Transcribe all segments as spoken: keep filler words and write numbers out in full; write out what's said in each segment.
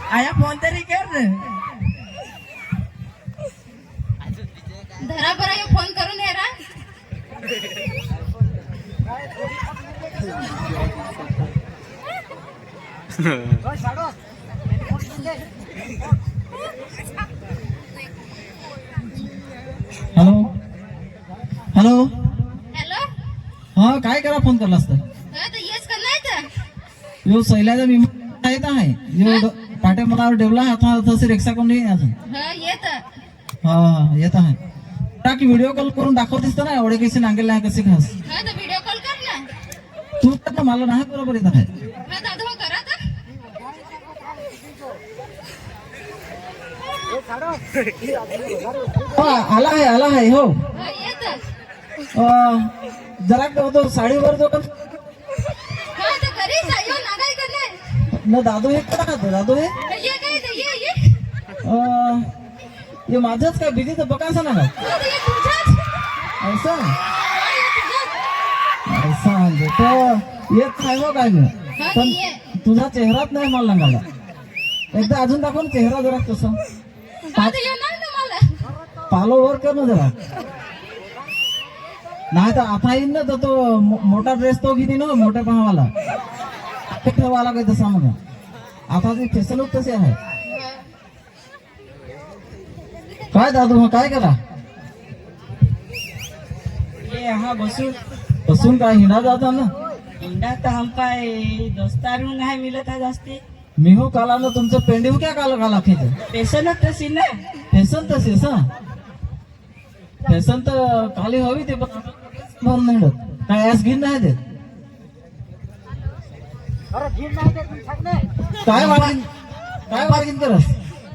आया फोन तरी कर रे. धरा बरं हे फोन करून ये रा. Hello hello hello. हा काय करा फोन करला असता हा तर येस का नाही तर यो सैलाचा मी येत आहे यो ड- पाटे मला ठेवला आता तसे रिक्षा कोण नाही अजून. हा येत. हा हा येत आहे टाकी व्हिडिओ कॉल करून दाखवतेस तर ना एवढे कसे नांगेल नाही कसे खास हा तर व्हिडिओ कॉल कर ना. तू तर ना मला नाही बरोबर येत आहे. हा दादा हो करा तर. हा आला आहे आला आहे हो. हा येत. अं, जरा का तो साडीवर जो का हा तर घरी जायो ना काय करणार. न दादू हे करा खातो दादू हे ये काय ते ये ये. अं, हे माझंच काय भीती तर बकासा ना का हा तर ये तुझ्याच. ऐसा हा ये तुझ्याच. ऐसा म्हणजे तो येत नाही हो काय मी हा तर पण ये. तुझा चेहराच नाही मला लागायला. एकदा अजून दाखव ना चेहरा जरा तसा हा तर येणार ना मला. पालो वर कर ना जरा नाही तर आता येईन ना तर तो मो- मोठा ड्रेस तो किती ना मोठ्या पहावाला ठेवाला काय तसा मग आता ती फॅशन तशी आहे. काय दादू मग काय करा ये हाँ बसू. बसून काय हिंडा जाता ना इंडा तर हम पाय दोस्तारू नाही मिलत है जास्ती. मी हो काला ना तुमचं पेंडिव क्या काला काला खेच पेशन तशी ना. फॅशन तशीच हा फॅशन तर खाली हवी ते पण म्हणून नाही मिळत. काय ऍस घेऊन नाही देत काय वाढीन काय वाढीन करस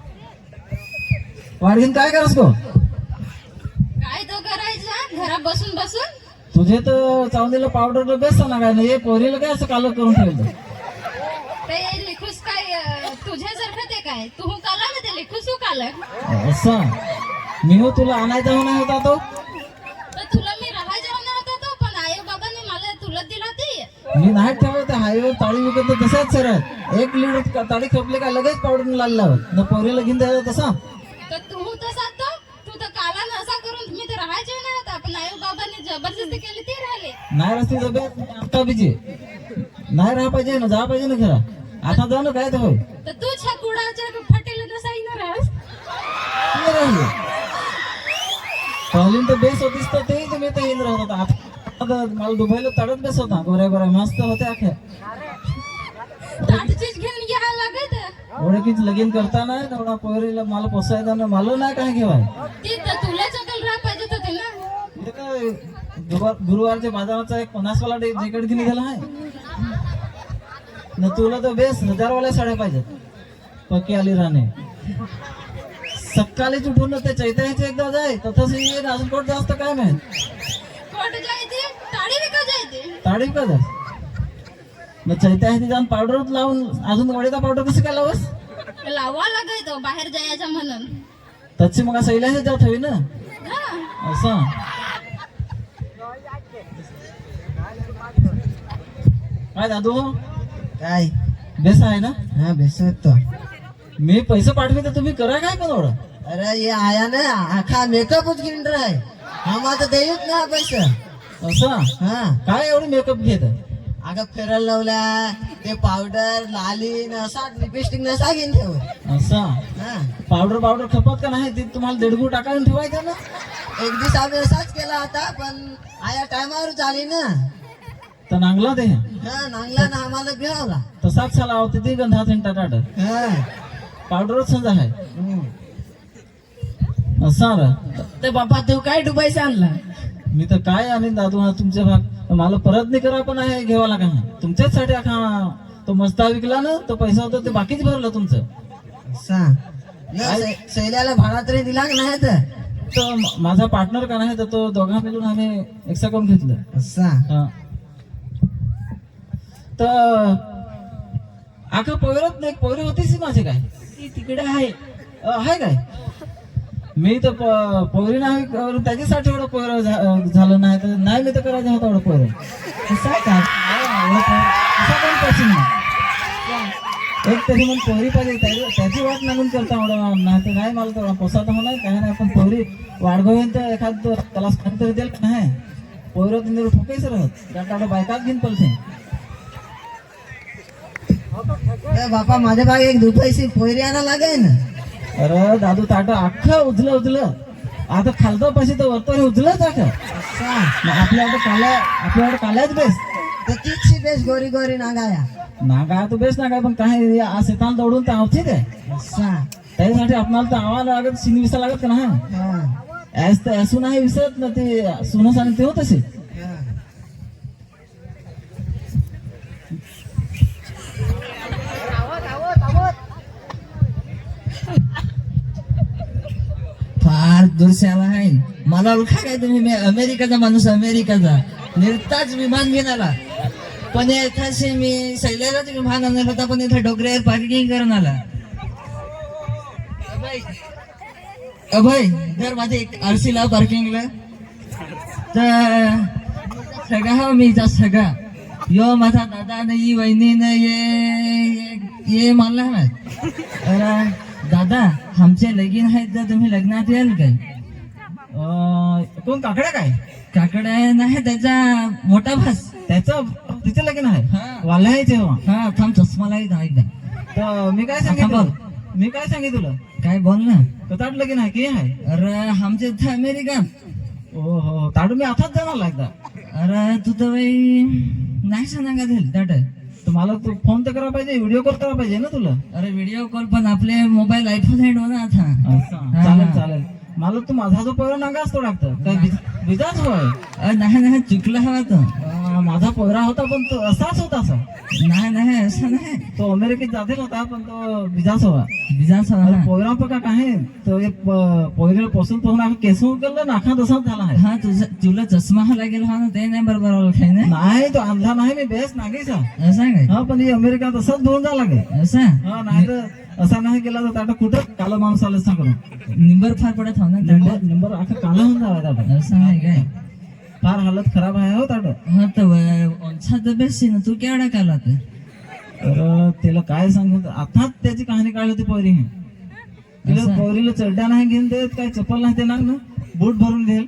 वाढीन काय करस गो काय तो करायचं घरात बसून बसून. तुझे तर चावलेलं पावडर बेस्ट ना काय नाही हे पोरीला काय असं काल करून ठेवलं ते लिखूस काय अं, तुझ्यासारखं ते काय तू काला ना ते लिखूस काल. असं मी हो तुला आणायचा हो नाही होता तो तर तुला मी राहायचा होणार होता तो पण आई बाबाने मला तुला दिला ते. मी नाही ठेवत हायवे ताळी विकत तर तसाच सरळ एक लिटर ताळी खपली का लगेच पावडर लाल लावत न पोरीला घेऊन द्यायचा तसा तर तू तसा तो तू तर काला नसा करून मी तर राहायचे होणार होता पण आई बाबाने जबरदस्ती केली ते राहिले. नाही रस्ते डबे आता बिजे नाही राहा पाहिजे ना जा पाहिजे ना खरा आता जा ना काय तर होय तर तू छा कुडाच्या फटेल नसा येणार आहेस. नाही राहिले पहिली तर बेस होतीस तर ते तुम्ही तर येऊन राहत होता आता मला दुबईला तडत बेस होता गोऱ्या गोऱ्या मस्त होते अख्या दादूचीच घेऊन घ्यायला लागत. ओळखीच लगीन करताना तेवढा पोरीला मला पोसायचा ना मला नाही काय घेवाय ती तर तुला चकल राहा पाहिजे होते ना. इथे काय गुरुवार- गुरुवारच्या बाजाराचा एक पन्नासवाला जॅकेट घेऊन गेला आहे न तुला तर बेस हजारवाल्या साड्या पाहिजेत पक्की आली राहणे सकाळीच उठून ते चैत्याचे एकदा जाय तसंच येईल अजून कोट जास्त काय माहित कोट जायते ताडी विका जायते. ताडी का जाय मग चैत्याचे जाऊन पावडर लावून अजून वडीचा पावडर कसं काय लावस लावा लागायचं बाहेर जायचं म्हणून. तशी मग सैलाचे जात हवी ना हा असं काय दादू काय बेस आहे ना हा बेस तो. मी पैसे पाठवे तर तुम्ही करा काय पण एवढं अरे ये आया ना आखा मेकअपच घेऊन राय हम आता देऊच ना पैसे. असं हा काय एवढी मेकअप घेत अगं फिरायला लावला ते पावडर लाली नसा लिपस्टिक नसा घेऊन ठेव. असं हा पावडर पावडर खपत का नाही ते तुम्हाला देडगू टाकायला ठेवायचं ना एक दिवस आम्ही असाच केला होता पण आया टायमावर झाली ना. तर नांगला ते हा नांगला ना आम्हाला भिळावला. तसाच साला होते ते गंधा थिंटा टाटा हा पावडरच समजा आहे हम्म. असं रे. ते बाबा तू काय डुबायचा आणला. मी तर काय आणि दादू हा तुमच्या भाग मला परत नाही करा पण आहे घेवा लागा तुमच्याचसाठी आखा तो मस्ता विकला ना तो पैसा होता ते बाकीच भरलं तुमचं सांग शैल्याला भाडा तरी दिला का नाही तर. तर म- माझा पार्टनर का नाही तर तो दोघा मिळून आम्ही एक्स्ट्रा करून घेतलं सांग हा. तर आखा पोरत नाही पोरी होतीच माझी काय ती तिकडे आहे. अ, आहे काय मी तर प- पोरी नाही करून त्याच्यासाठी एवढं पोर झालं नाही तर नाही मी तर करायचं होतं एवढं पोर कसं आहे का असा पण पसंत नाही एक तरी मग पोहरी पाहिजे त्या- त्याची वाट लागून करता एवढं नाही तर नाही मला तर पोसायचं होणार काय नाही पण पोहरी वाढगोवेन तर एखाद त्याला स्थान तरी देईल का नाही पोहरं तुम्ही ठोकायच राहत त्या बायकाच घेऊन पलते ए बापा माझ्या बाग एक दुपायची पोयरी आणा लागेल. अरे दादू ताट अख्खं उजलं उजलं आता खालतं पैसे तर वरतो उजलं ताट असा आपल्याकडे काल्या आपल्याकडे काल्याच बेस तर तीच बेस गोरी गोरी नागाया नागा तर बेस नागा पण काय शेताला दौडून तर आवतीच आहे असा त्याच्यासाठी आपल्याला तर आवा लागत शिनी विसा लागत का नाही हा ऍस तर असून नाही विसरत ना ते सुनं सांग ते होत असे हा. फार दुरशाला आहे मला ओळखा काय तुम्ही मी अमेरिकाचा माणूस अमेरिकाचा निर्ताच विमान घेऊन आला पण एखादशी मी सैल्यालाच विमान आणणार होता पण इथे डोंगरावर पार्किंग करून आला अभय अभय जर माझे एक आरसी लाव पार्किंगला तर सगळा हो मी जा सगळा यो माझा दादा नाही वहिनी नाही ये ये मानला ना अरे दादा आमचे लगीन आहेत तर तुम्ही लग्नात याल काय अं, कोण काकड्या काय काकडा नाही त्याचा मोठा भास त्याचं तिथे लगीन आहे हा. वाला आहे तेव्हा हा थांब चष्मा लागेल एकदा तर मी काय आता सांगितलं बोल. मी काय सांगितलं काय बोल ना कताट लगीन आहे की आहे अरे आमचे इथं अमेरिका ओ हो ताडू मी आताच जाणार एकदा अरे तू तर बाई नाही सांगा दिल ताट तर मला तू फोन तर करा पाहिजे व्हिडिओ कॉल करा पाहिजे ना तुला अरे व्हिडिओ कॉल पण आपले मोबाईल आयफोन हँड हो ना आता असं. हा. चालेल चालेल मला तू माझा जो पोयरा नागा असतो लागतं काय विज- विजाच होय अरे नाही नाही चुकला हवा तो अं, माझा पोयरा होता पण तो असाच होता असा नाही नाही असं नाही तो अमेरिकेत जातील होता पण तो विजाच हवा विजाच हवा पोयरा पका काय तो एक पोयरीला पोसून पोहून आम्ही केस उकललं नाखा तसाच झाला आहे हा तुझा तुला चष्मा हा लागेल हा ना ते नाही बरोबर ओळखाय ना नाही तो अंधा नाही मी बेस नागेचा असं आहे काय हा पण ही अमेरिका तसाच धुवून जा लागे असं हा नाही तर असा नाही केला तर ताटा कुठं काला माणूस आलं सांगून निंबर फार पडत हो ना नंबर नंबर अख्खा काला होऊन जावा ताटा असं आहे काय फार हालत खराब आहे हो ताटा हा तर ओंछा तर बेस्ट ना तू केवढा काला ते तर त्याला काय सांगू आताच त्याची कहाणी काढली होती पोरी तिला असं? पोरीला चड्डा नाही घेऊन देत काय चप्पल नाही देणार ना बूट भरून देईल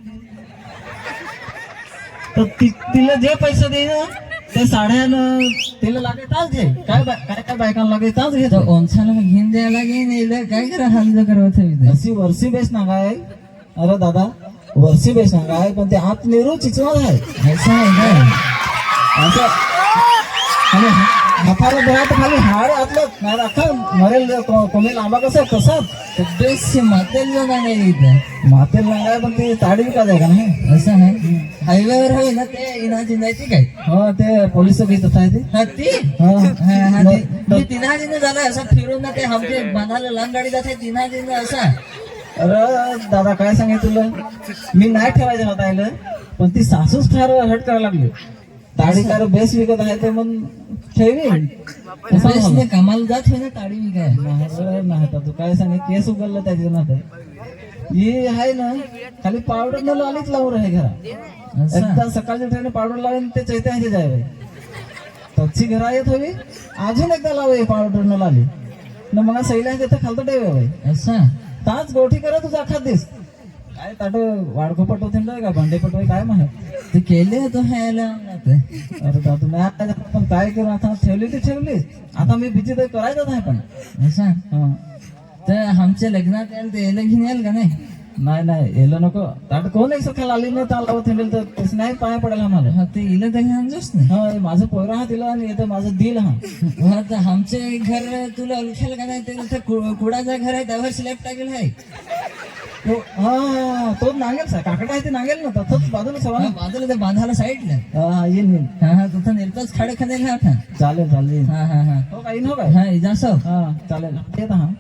तर ति- तिला जे पैसे दे ना ते साड्यानं तिला लागे ताच घे काय बा- काय काय बायकांना लागे ताच घेतो तर ओंछाला घेऊन द्यायला घेऊन येईल काय करा हांज करत होईल अशी वर्षी बेस ना काय अरे दादा वर्षी बेस ना काय पण ते आत निरू चिचवत आहे असं आहे काय असं आणि हाताला बघा तर खाली हाड आतलं नाही तर अख्खा मरेल को- कोणी लांबा कसं कसा बेस्ट मातेल जो नाही इथं मातेल लांगाय पण ती ताडी विकायच आहे का नाही असं नाही हायवेवर हवे ना ते इनाची जायची काय हो ते पोलिस बी तसं आहे ते हा ती हा. हा, हा, ती- न- मी तिन्हा दिनं झालं असं फिरून ना ते आमचे बनाला लांब गाडी जाते तिन्हा दिनं असं अरे दादा काय सांगे तुला मी नाही ठेवायचं होता आयलं पण ती सासूच फार हट करायला लागली ताडी कार बेस विकत आहे ते मग ठेवी असं बेस्ट झालं. ने कामाला जात होय ना ताडी मी काय नाही बरं नाही आता तू काय सांगे केस उघडलं त्याच्या ना ही आहे ना खाली पावडर न लालीच लावून आहे घरा असं एकदा सकाळच्या ट्रेन पावडर लावून ते चैत्याचे जावे तची घरा येत हवी अजून एकदा लावे पावडर न लाली न मग सैला तिथं खालतं ठेवे असं ताच गोठी करत तुझा अख्खा दिस काय ताट वाडको पटवते का भांडे पटवाय काय म्हणत ते केले तो ह्याला ते अरे दादू नाही आता पण काय करू आता ठेवली ती ठेवली आता मी भीती तर करायचंच आहे पण असं हा. तर आमच्या लग्नात याल ते यायला घेऊन याल का नाही नाही नाही येलं नको ताट कोण एक सकाळ आली ना ताल लावत हिंडेल तर तसं नाही पाया पडायला मला हा ते इलं तर आणजोस ना हा हे माझं पोयरा हा तिला आणि येतं माझं दिल हा हा तर आमचे घर तुला ओळखेल का नाही ते इथं कु- कुडाचं घर आहे त्यावर सिलेक्ट टाकेल आहे तो हा तोच नांगेल सा काकडा आहे ते नांगेल ना तसंच बाजूला सवा हा, बाजूला ते बांधाला साईडला हा येईल येईल हा हा तिथं निर्ताच खाडे खादेल हा आता चालेल चालेल हा हा हा हो काही हो काय हा इजासो हा चालेल येत हा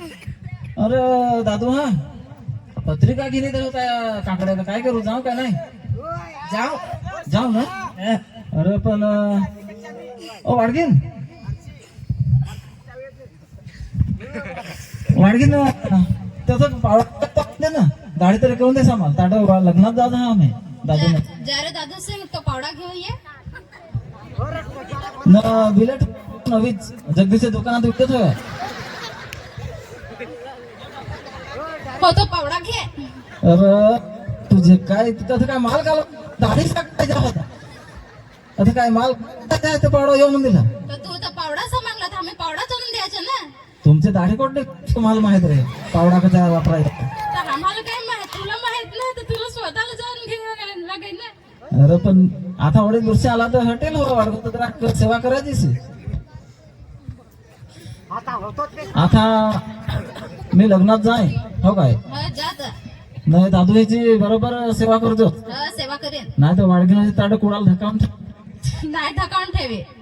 अरे दादू हा पत्रिका घेणे तर होता काकड्याला काय करू जाऊ का नाही जाऊ जाऊ ना अरे पण अं, ओ वाडगीन वाडगीन त्याचं पावडा ना गाडी तरी करून दे सामान ताटा लग्नात जात हा आम्ही दादू जरा दादा से तो पावडा घेऊन ये न बिलेट नवीच जगदीशच्या दुकानात विकत होय. हो तो पावडा घे. अरे तुझे काय तिथं काय माल घाल दाढी टाकायचा होता. आता काय माल काय ते पावडा येऊ म्हणून दिला. तर तू तर पावडाचा मागला तर आम्ही पावडा चोरून द्यायचा ना. तुमचे दाढी कोणते तुम्हाला माहित रे पावडा कसा वापरायचा. तर आम्हाला काय माहित, तुला माहित नाही तर तुला स्वतःला जाऊन घ्यायला लागेल ना. अरे पण आता वडील वर्ष आला तर हॉटेल हो वाढवतो तर सेवा करायचीच. आता मी लग्नात जाय हो काय हो जा जा. नाही दादू याची बरोबर सेवा करतो. हो, सेवा करेन. नाही तर वाडगिनाची ताट कुणाला धकावून नाही धकावून ठेवे.